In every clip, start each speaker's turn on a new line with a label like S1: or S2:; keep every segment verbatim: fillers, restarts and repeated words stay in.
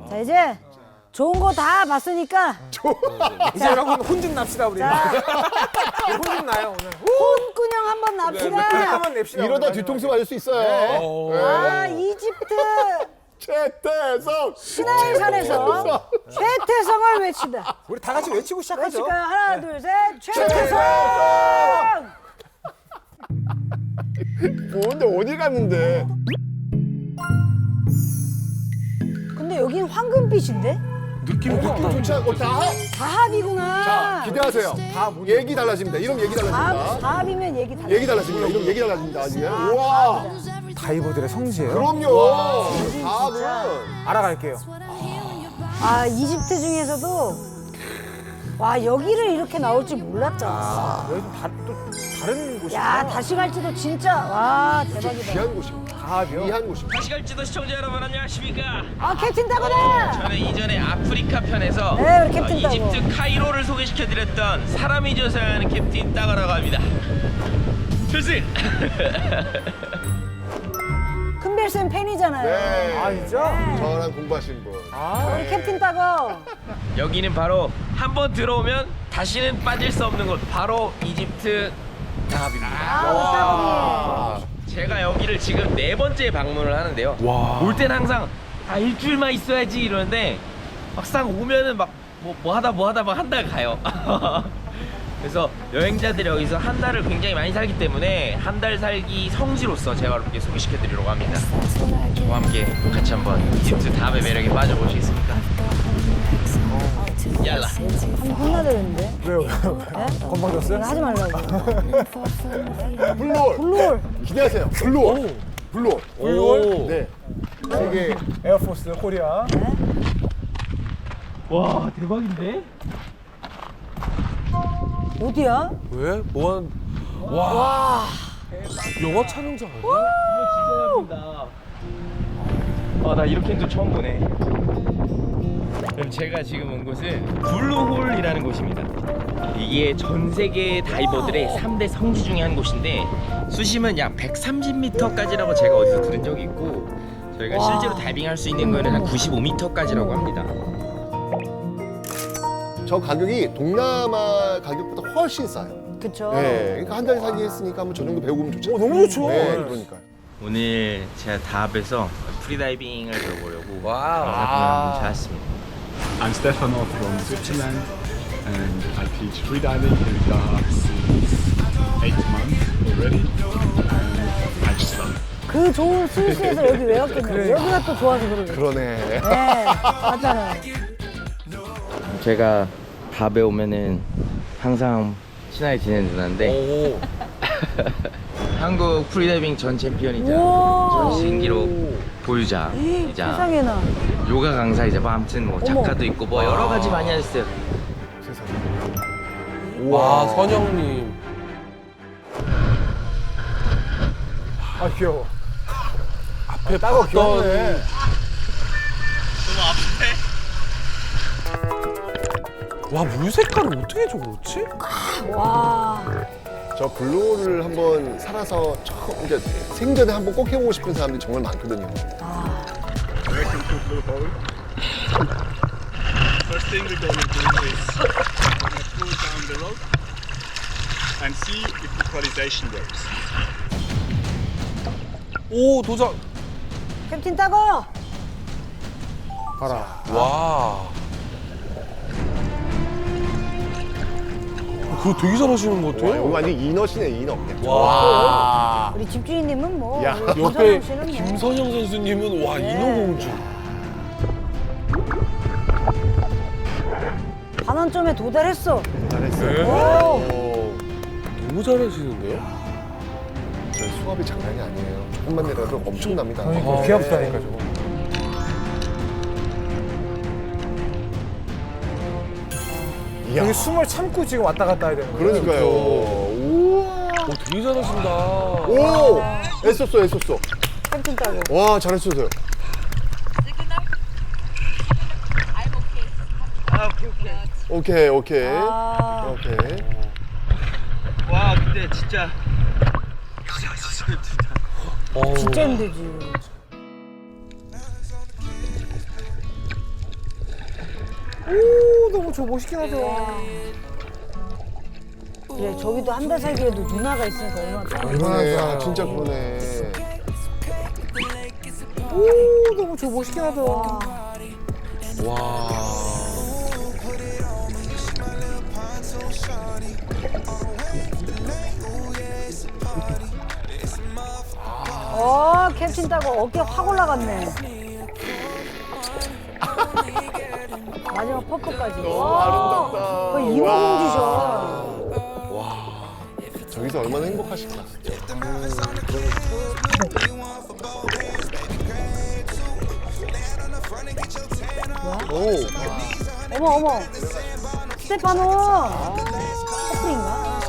S1: 자 이제 좋은 거 다 봤으니까
S2: 이제 여러분 혼 좀 납시다 우리. 혼 좀 나요 오늘.
S1: 혼꾸녕 한번 납시다.
S2: 한번 냅시다.
S3: 이러다
S2: 오늘.
S3: 뒤통수 맞을 수 있어요.
S1: 아 이집트
S3: 최태성
S1: 시나이 산에서 최태성을 외친다.
S2: 우리 다 같이 외치고 시작하죠.
S1: 외칠까요? 하나 둘 셋 최태성.
S3: 뭔데 어디 갔는데?
S1: 근데 여긴 황금빛인데?
S3: 느낌 느낌 좋지 않고 다.
S1: 다합이구나.
S3: 자 기대하세요. 다 얘기 달라집니다. 이름 얘기
S1: 다합,
S3: 달라집니다.
S1: 다합이면 얘기 달라.
S3: 얘기 달라집니다. 이름 얘기 달라집니다. 지금. 우와.
S2: 다이버들의 성지예요.
S3: 그럼요. 다음은
S2: 알아갈게요.
S1: 아 이집트 중에서도 와 여기를 이렇게 나올 줄 몰랐잖아.
S2: 여기 좀 다, 또 다른 곳이야.
S1: 야 다시 갈지도 진짜 와 대박이다.
S3: 귀한 곳입니다.
S2: 다합이요.
S3: 귀한 곳입니다.
S4: 다시 갈지도 시청자 여러분 안녕하십니까?
S1: 아 캡틴 타고다.
S4: 저는 이전에 아프리카 편에서
S1: 네, 우리 캡틴
S4: 어,
S1: 따고.
S4: 이집트 카이로를 소개시켜드렸던 사람이 조사하는 캡틴 따가라고 합니다. 필승!
S1: 큰별쌤 팬이잖아요.
S3: 네.
S2: 아 진짜?
S3: 저랑 공부하신 분.
S2: 아.
S1: 우리 캡틴 따고.
S4: 여기는 바로 한번 들어오면 다시는 빠질 수 없는 곳 바로 이집트 다합입니다.
S1: 아 따고.
S4: 제가 여기를 지금 네 번째 방문을 하는데요. 올 땐 항상 아 일주일만 있어야지 이러는데 막상 오면은 막 뭐 뭐 하다 뭐 하다 막 한 달 가요. 그래서 여행자들이 여기서 한 달을 굉장히 많이 살기 때문에 한 달 살기 성지로서 제가 여러분께 소개시켜드리려고 합니다. 저와 함께 같이 한번 이집트 다합의 매력에 빠져보시겠습니까? 얄라.
S1: 한번 혼나드렸는데.
S2: 왜요? 왜요?
S1: 네?
S2: 건방졌어요?
S1: 하지 말라고.
S3: 블루홀.
S1: 블루홀.
S3: 기대하세요. 블루홀. 블루홀.
S2: 블루홀?
S3: 네. 세계
S2: 에어포스 코리아.
S4: 와 대박인데?
S1: 어디야?
S5: 왜? 뭐한 와. 영화 촬영장 아니야?
S4: 이거 진짜 예쁘다. 아, 나 이렇게 도 처음 보네. 그럼 제가 지금 온 곳은 블루홀이라는 곳입니다. 이게 전 세계 다이버들의 삼 대 성지 중에 한 곳인데 수심은 약 백삼십 미터까지라고 제가 어디서 들은 적이 있고 저희가
S1: 와.
S4: 실제로 다이빙할 수 있는 거는 한 구십오 미터까지라고 합니다.
S3: 저 가격이 동남아 가격보다 훨씬 싸요.
S1: 그쵸.
S3: 네. 그러니까 한 달 살기 했으니까 한번 저 정도 배우고 오면 좋죠.
S2: 오 너무 좋죠.
S3: 네, 그러니까요.
S4: 오늘 제가 다합에서 프리다이빙을 배워보려고
S5: 와우.
S4: 한번 찾았습니다.
S6: I'm Stefano from Switzerland and I teach freediving here in Dahab since eight months already and I just love it.
S1: 그 좋은 스위스에서 여기 왜 왔겠냐. 여기가 또 좋아서 그러네.
S3: 그러네.
S1: 네, 맞잖아요.
S4: 제가 다합에 오면은 항상 친하게 지내는 누나인데
S5: 오.
S4: 한국 프리다이빙 전 챔피언이자
S1: 우와.
S4: 전 신기록 보유자이자
S1: 세상에나.
S4: 요가 강사이자 뭐 아무튼 뭐 작가도 있고 뭐 여러 가지 많이 하셨어요.
S5: 와, 선영님.
S2: 아 귀여워.
S5: 앞에
S2: 따고
S5: 봤던
S2: 귀엽네.
S5: 와, 물 색깔을 어떻게 저렇지?
S1: 와.
S3: 저 블루홀을 한번 살아서 처음, 이제 생전에 한번 꼭 해보고 싶은 사람들이 정말 많거든요.
S6: Welcome to Blue Hole. First thing we're going to do is pull down the rope and see if the equalization works.
S5: 오, 도장.
S1: 캡틴 따고.
S2: 봐라.
S5: 와. 그거 되게 잘하시는 것
S3: 와,
S5: 같아요.
S3: 이거 완전 이너시네, 이너.
S5: 와.
S1: 우리 집주인님은 뭐.
S3: 야,
S1: 우리
S5: 옆에
S1: 김선영 씨는 뭐.
S5: 김선영 선수님은 와,
S1: 네.
S5: 인어공주.
S1: 반환점에 도달했어.
S3: 잘했어요.
S5: 네.
S3: 오.
S5: 너무 잘하시는데요?
S3: 저 수압이 장난이 아니에요. 조금만 내려도 엄청납니다.
S2: 그러니까
S5: 아,
S2: 귀 아프다니까 저거.
S3: 이야.
S2: 여기 숨을 참고 지금 왔다 갔다 해야 되는 거예요.
S3: 그러니까요. 우와.
S5: 오, 되게 잘하신다.
S3: 오! 애썼어, 애썼어.
S1: 캡틴 따고.
S3: 와, 잘했어요. 오케이, 오케이.
S1: 아.
S3: 오케이.
S4: 와 근데 진짜
S5: 어우.
S1: 진짜 힘들지.
S2: 오 너무 저 멋있긴 하다.
S1: 그래 저기도 한 달 살기에도 누나가 있으니까 얼마나 편해.
S3: 그러네. 아, 진짜 그러네.
S2: 오 너무 저 멋있긴 하다.
S5: 와.
S1: 어 캡틴 따고 어깨 확 올라갔네. 마지막 퍼프까지.
S3: 너무 아름답다.
S1: 거의 이모공주셔.
S3: 저기서 얼마나 행복하실까. 오.
S1: 어머 어머. 스테파노. 커플인가?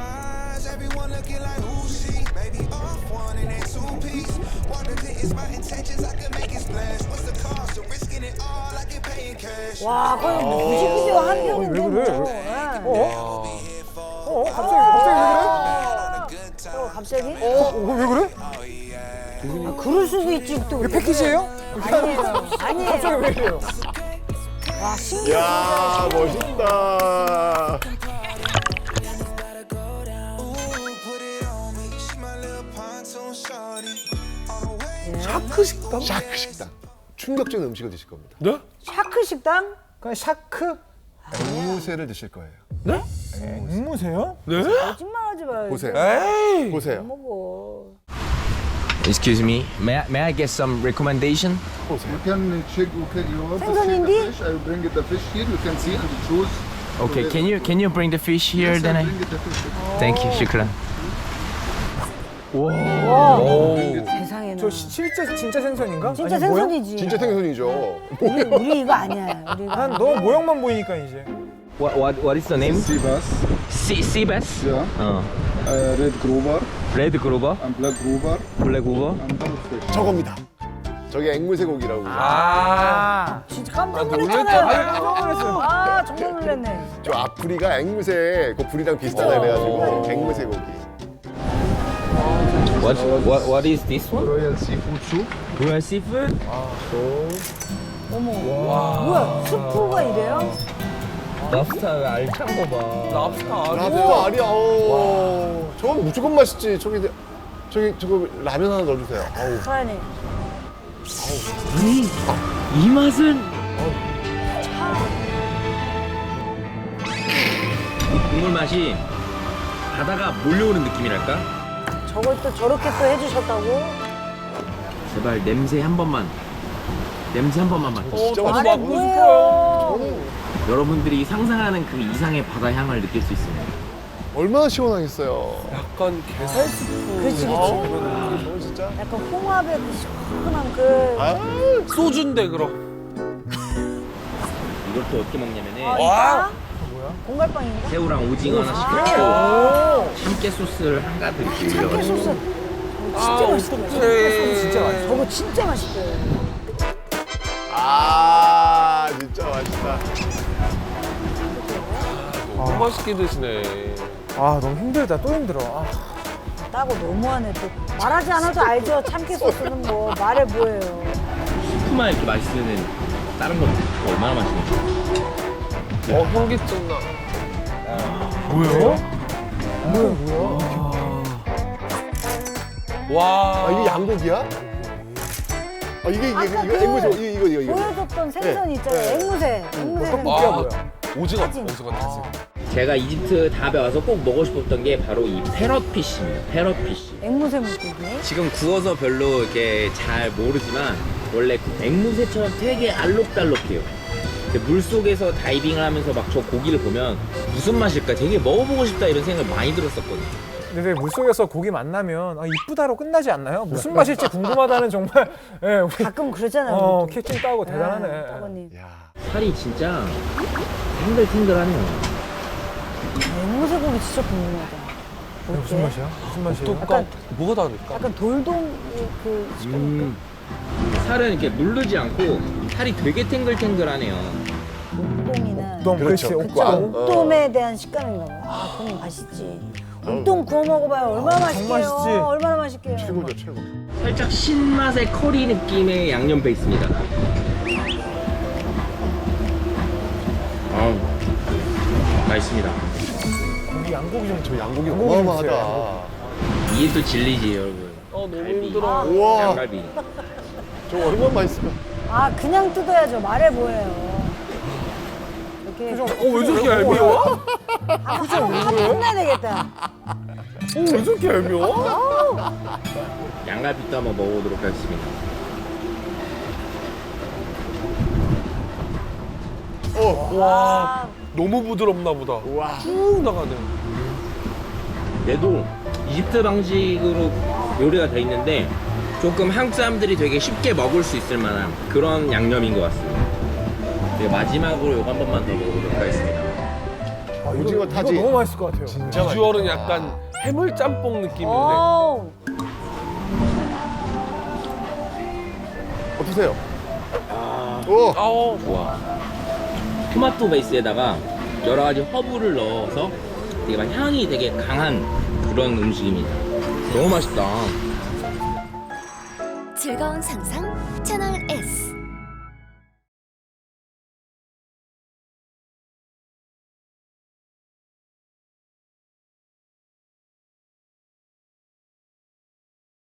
S1: 와 거의 뮤직비디오 한 편인데
S2: 왜 그래?
S1: 뭐. 예.
S2: 어? 어? 갑자기 갑자기
S1: 어, 갑자기?
S2: 왜 그래? 어? 왜 그래?
S1: 아, 그럴 수도 있지 또.
S2: 이게 패키지예요?
S1: 아니에요. 아니에요.
S2: 갑자기 왜 이래요?
S1: 와 신기해.
S3: 야 멋있다.
S2: 샤크 식당?
S3: 샤크 식당. 충격적인 음식을 드실 겁니다.
S5: 네?
S1: 샤크 식당?
S2: 그냥 샤크?
S3: 앵무새를 드실 거예요.
S2: 앵무새요?
S5: 네?
S1: 거짓말하지 마요.
S3: 보세요.
S2: 에이.
S3: 보세요.
S1: 먹어.
S4: Excuse me, may I, may I get some recommendation?
S6: You can check, okay, you want to see
S1: 생선인디?
S6: the fish, I will bring it the fish here, you can see and choose.
S4: Okay, can you can you bring the fish here?
S6: Yes,
S4: Then
S6: I
S4: I
S6: bring it the fish.
S4: thank you, shukran.
S1: 세상에나.
S2: 저 시- 실제 진짜 생선인가?
S1: 진짜
S2: 아니, 모양?
S1: 생선이지.
S3: 진짜 생선이죠.
S1: 우리, 우리 이거 아니야. 우리 이거.
S2: 난 너무 모양만 보이니까 이제.
S4: What what what is the name?
S6: Sea bass,
S4: Sea sea bass.
S6: yeah,
S4: 어.
S6: uh, red grouper
S4: Red grouper,
S6: and black grouper
S4: black grouper.
S6: and dogfish.
S3: 저겁니다. 저게 앵무새 고기라고.
S2: 아.
S1: 진짜 깜짝
S2: 놀랬잖아.
S1: 놀랐잖아요.
S2: 깜짝 놀랐어요.
S1: 아 정말 놀랐네.
S3: 저 앞부리가 앵무새 그 부리랑 비슷하다 그래가지고 앵무새 고기.
S4: What what what is this one?
S6: Royal seafood soup.
S4: Royal seafood.
S1: 어머. 뭐야 스프가 이래요?
S4: 랍스터 알찬 거 봐.
S5: 랍스터
S3: 랍스터 알이야. 오. 저건 무조건 맛있지. 저기 저기 저거 라면 하나 넣어주세요. 아우.
S1: 사연이.
S4: 아니 이 맛은 이 국물 맛이 바다가 몰려오는 느낌이랄까?
S1: 저걸 또 저렇게 또 해주셨다고?
S4: 제발 냄새 한 번만 냄새 한 번만 맡아.
S3: 진짜
S5: 어,
S1: 말해
S3: 맛있다.
S1: 뭐예요?
S4: 여러분들이 상상하는 그 이상의 바다 향을 느낄 수 있습니다.
S3: 얼마나 시원하겠어요.
S5: 약간 게살 스프.
S1: 그렇지
S3: 아우,
S1: 그렇지.
S3: 저건 진짜.
S1: 약간 홍합의 그 시원한 그.
S3: 아,
S5: 소주인데 그럼.
S4: 이걸 또 어떻게 먹냐면은
S1: 아, 이거야? 공갈빵인가?
S4: 새우랑 오징어 하나씩
S1: 아,
S4: 넣고 참깨 소스를 한가득 이렇게
S1: 참깨
S4: 올려가지고
S1: 소스.
S5: 아,
S1: 저거 진짜 맛있다.
S5: 어떡해.
S2: 진짜 맛있어.
S1: 저거 진짜 맛있대.
S3: 아, 진짜 맛있다.
S5: 너무 맛있게 드시네.
S2: 아 너무 힘들다. 또 힘들어. 아.
S1: 따고 너무하네 또. 말하지 않아도 알죠. 참깨 소스는 뭐 말해 뭐예요.
S4: 스프만 이렇게 맛있으면 다른 건 얼마나 맛있는지.
S5: 어, 현기증 나.
S2: 뭐야? 뭐야 뭐야?
S5: 와.
S3: 아, 이게 양고기야? 아, 이게 이게
S1: 아까
S3: 이거
S1: 그
S3: 앵무새 이거 이거 이거 이거.
S1: 보여줬던 생선
S3: 네.
S1: 있잖아요.
S3: 네.
S1: 앵무새. 앵무새는
S2: 떡볶이야
S5: 아.
S2: 뭐야?
S5: 오징어,
S1: 사진.
S5: 오징어 타지.
S4: 제가 이집트 답에 와서 꼭 먹고 싶었던 게 바로 이 패럿피쉬입니다. 패럿피쉬.
S1: 앵무새 물고기.
S4: 지금 구워서 별로 이렇게 잘 모르지만 원래 그 앵무새처럼 되게 알록달록해요. 근데 물속에서 다이빙을 하면서 막 저 고기를 보면 무슨 맛일까 되게 먹어보고 싶다 이런 생각을 많이 들었었거든요.
S2: 근데 왜 물속에서 고기 만나면 아, 이쁘다로 끝나지 않나요? 무슨 맛일지 궁금하다는 정말 예, 우리
S1: 가끔 그러잖아요.
S2: 어,
S1: 우리도.
S2: 캡틴 따고 대단하네.
S1: 아, 따거님.
S3: 야.
S4: 살이 진짜 탱글탱글하네요.
S1: 앵무새 고기 진짜 궁금하다.
S2: 이거 무슨
S1: 어때?
S2: 맛이야? 무슨 맛이에요?
S5: 어떨까? 뭐가 다를까?
S1: 약간 돌돔 그 식감인가?
S4: 음, 살은 이렇게 누르지 않고 살이 되게 탱글탱글하네요.
S1: 옥돔이나
S2: 옥돔, 그렇지.
S3: 그렇죠.
S2: 옥돔.
S3: 옥돔.
S1: 옥돔에 대한 식감인가 봐. 아, 그럼 맛있지. 옥돔 구워 먹어봐요. 얼마나
S2: 아,
S1: 맛있게요.
S2: 맛있지.
S1: 얼마나 맛있게요.
S3: 최고죠, 최고.
S4: 살짝 신맛의 커리 느낌의 양념 베이스입니다. 맛있습니다.
S2: 고기 양고기 좀
S3: 저 양고기
S2: 양고기 좀
S3: 어마어마하다.
S2: 주세요,
S4: 이게 또 진리지 여러분.
S5: 어 너무
S4: 갈비.
S5: 힘들어.
S3: 우와,
S4: 양갈비.
S3: 저 얼마나 맛있을까?
S1: 아 그냥 뜯어야죠. 말해 뭐예요. 이렇게
S5: 어왜 저렇게 얄미워?
S1: 한번 혼내야 되겠다.
S5: 어왜 저렇게 얄미워?
S4: 양갈비도 한번 먹어보도록 하겠습니다.
S3: 어,
S5: 와 너무 부드럽나 보다.
S3: 와.
S5: 쭉 나가네.
S4: 얘도 이집트 방식으로 요리가 돼 있는데 조금 한국 사람들이 되게 쉽게 먹을 수 있을 만한 그런 양념인 것 같습니다. 네, 마지막으로 이거 한 번만 더 먹어보도록 하겠습니다.
S2: 아, 이거,
S3: 오징어
S2: 이거
S3: 타지?
S2: 너무 맛있을 것 같아요.
S3: 진짜
S5: 비주얼은
S3: 맛있다.
S5: 약간 해물 짬뽕 느낌인데.
S1: 오.
S3: 어떠세요? 오,
S5: 아우
S4: 좋아. 토마토 베이스에다가 여러 가지 허브를 넣어서 되게 막 향이 되게 강한 그런 음식입니다. 너무 맛있다.
S7: 즐거운 상상 채널 S.